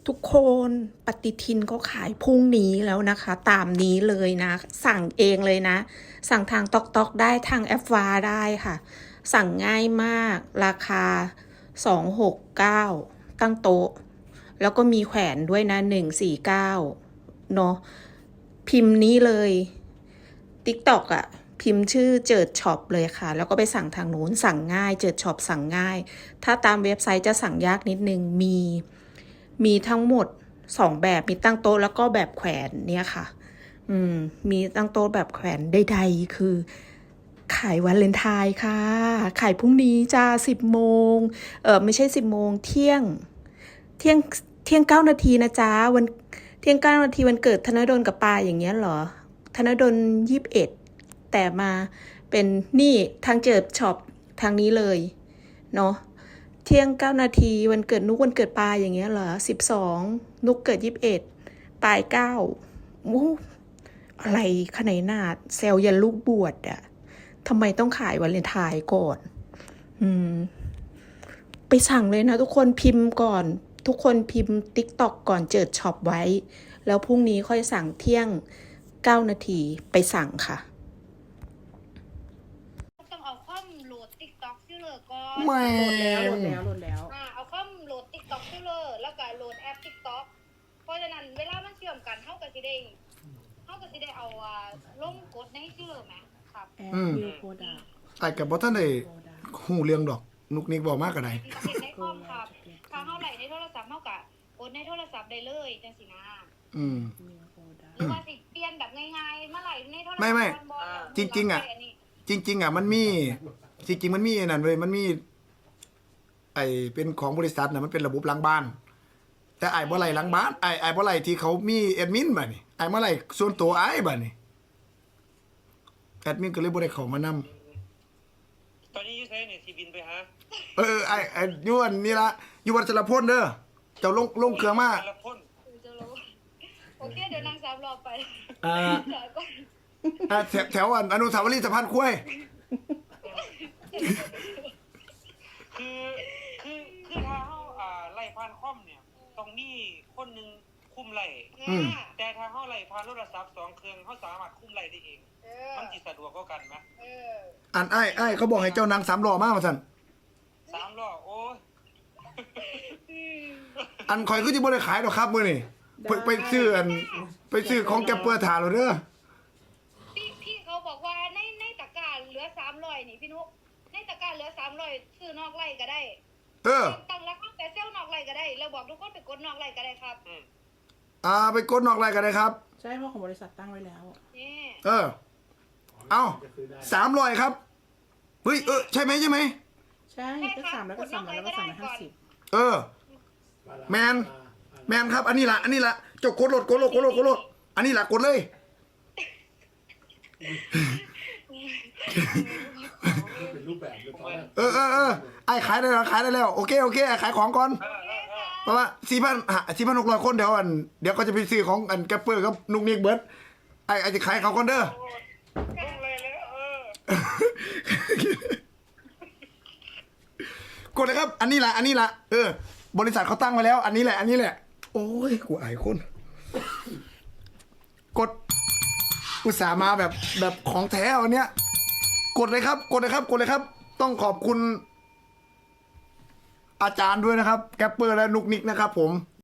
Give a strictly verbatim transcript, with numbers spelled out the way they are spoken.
ทุกคนปฏิทินก็ขายพรุ่งนี้แล้วนะคะ ตามนี้เลยนะ สั่งเองเลยนะ สั่งทางตอกตอกได้ทางแอปวาได้ค่ะ สั่งง่ายมากราคาสองหกเก้าตั้งโต๊ะ แล้วก็มีแขวนด้วยนะหนึ่งสี่เก้าเนาะพิมพ์นี้เลย TikTok อ่ะ พิมพ์ชื่อเจิดช็อปเลยค่ะ แล้วก็ไปสั่งทางนู้นสั่งง่ายเจิดช็อปสั่งง่าย ถ้าตามเว็บไซต์จะสั่งยากนิดนึงมี มีทั้งหมดสองแบบมีตั้งโต๊ะแล้วก็แบบแขวนเนี่ยค่ะ อืม มีตั้งโต๊ะแบบแขวนใดๆคือ ขายวันเลนไทน์ค่ะ ขายพรุ่งนี้จ้าสิบโมงเออไม่ใช่สิบโมงเที่ยง เที่ยงเที่ยงเก้านาทีนะจ๊ะวันเที่ยงเก้านาทีวันเกิดธนดลกับปาอย่างเงี้ยเหรอธนดลยี่สิบเอ็ดแต่มาเป็นนี่ทางเจิดช็อปทางนี้เลยเนาะเที่ยงเก้านาทีวันเกิดนุกวันเกิดปาอย่างเงี้ยเหรอสิบสองนุกเกิดยี่สิบเอ็ดปายเก้ามูอะไรขนาดนาดเซลยันลูกบวชอะทำไมต้องขายวันเลนไทน์ก่อนอืมไปสั่งเลยนะทุกคนพิมพ์ก่อนทุกคนพิมพ์ TikTok ก่อนเจิดช็อปไว้แล้วพรุ่งนี้ค่อยสั่งเที่ยงเก้านาทีไปสั่งค่ะต้องเอาคอมโหลด TikTok ซิลเลอร์ก่อนแม่โหลดแล้วโหลดแล้วโหลดแล้วอ่าเอาคอมโหลด TikTok ซิลเลอร์แล้วก็โหลดแอป TikTok เพราะฉะนั้นเวลามันเชื่อมกันเฮาก็สิได้เฮาก็สิได้เอาอ่าลงกดในซิลเลอร์แหมครับแอปวิวโปรดักต์ไอ้กับบ่ท่านได้หูเรื่องดอกนุกนิกบอกมากกว่าใดเห็นในคอมครับถ้าเฮาไหลในโทรศัพท์เฮาก็กดในโทรศัพท์ได้เลยจังซี่นะอืมหรือว่าสิเปลี่ยนแบบง่ายๆมาไหลในโทรศัพท์ไม่ไม่บ่จริงๆอะ จริง ๆ อ่ะ มันมีจริงๆมันมีไอ้นั่นเว้ยมันมี ไอ้เป็นของบริษัทน่ะมันเป็นระบบหลังบ้าน แต่ไอ้บ่ไหลหลังบ้านไอ้ไอ้บ่ไหลที่เขามีแอดมินบัดนี้ไอ้บ่ไหลส่วนตัวไอ้บัดนี้แอดมินก็เลยบ่ได้เข้ามานำตอนนี้อยูไซเนี่ยที่บินไปหาเออไอ้ไอ้อยู่อันนี่ละอยู่วัดสระพลเด้อเจ้าลงลงเครื่องมาแต่ละคนจะรู้โอเคเดี๋ยวนางสามรอบไปอ่าเดี๋ยวก่อนอ่าแถวแถวอันอนุสาวรีย์สะพานคุ้วยคือคือคือถ้าเขาอ่าไล่ผ่านคอมเนี่ยต้องมีคนหนึ่งคุมไล่อืมแต่ถ้าเขาไล่ผ่านโทรศัพท์สองเครื่องเขาสามารถคุมไล่ได้เองเออมันจิสะดวกกว่ากันไหมเอออันไอ้ไอ้เขาบอกให้เจ้านางสามล้อมาว่าซั่นสามล้อโอ้ยอันข่อยก็สิบ่ได้ขายดอกครับมื้อนี้ไปไปซื้ออันไปซื้อของแกเปื้อถาแล้วเด้อพี่พี่เขาบอกว่าในในตะกร้าเหลือสามร้อยนี่พี่นุ๊กในตะกร้าเหลือสามร้อยซื้อนอกไร่ก็ได้เออตั้งราคาแต่เซลล์นอกไร่ก็ได้แล้วบอกทุกคนไปกดนอกไร่ก็ได้ครับอืมอ่าไปกดนอกรายกันเลยครับใช่เพราะของบริษัทตั้งไว้แล้วนี่เออ เอาสามร้อยครับ เฮ้ย เออ ใช่ไหมใช่ไหมใช่ก็สามแล้วก็สามแล้วก็สามร้อยห้าสิบเออ แมน แมนครับ อันนี้ละอันนี้ละเจ้ากดโหลดกดโหลดกดโหลดกดโหลดอันนี้ละกดเลยเป็นรูปแบบเลยตอนแรกเออเออเออไอ้ขายได้แล้วขายได้แล้ว โอเค โอเคไอ้ขายของก่อนเออเออเออเพราะว่าสี่พันสี่พันหกร้อยคนเดี๋ยวอัน เดี๋ยวก็จะไปซื้อของอันแกปเปอร์กับนุกนิกเบิร์ดไอ้ไอ้จะขายเขาก่อนเด้อลงเลยแล้วเออกดเลยครับ อันนี้แหละ อันนี้แหละ เออ บริษัทเขาตั้งไว้แล้ว อันนี้แหละ อันนี้แหละ โอ้ย กูอายคน กด อุตส่าห์มาแบบแบบของแท้วันเนี้ย กดเลยครับ กดเลยครับ กดเลยครับ ต้องขอบคุณ อาจารย์ด้วยนะครับ แกปเปอร์และนุกนิกนะครับผม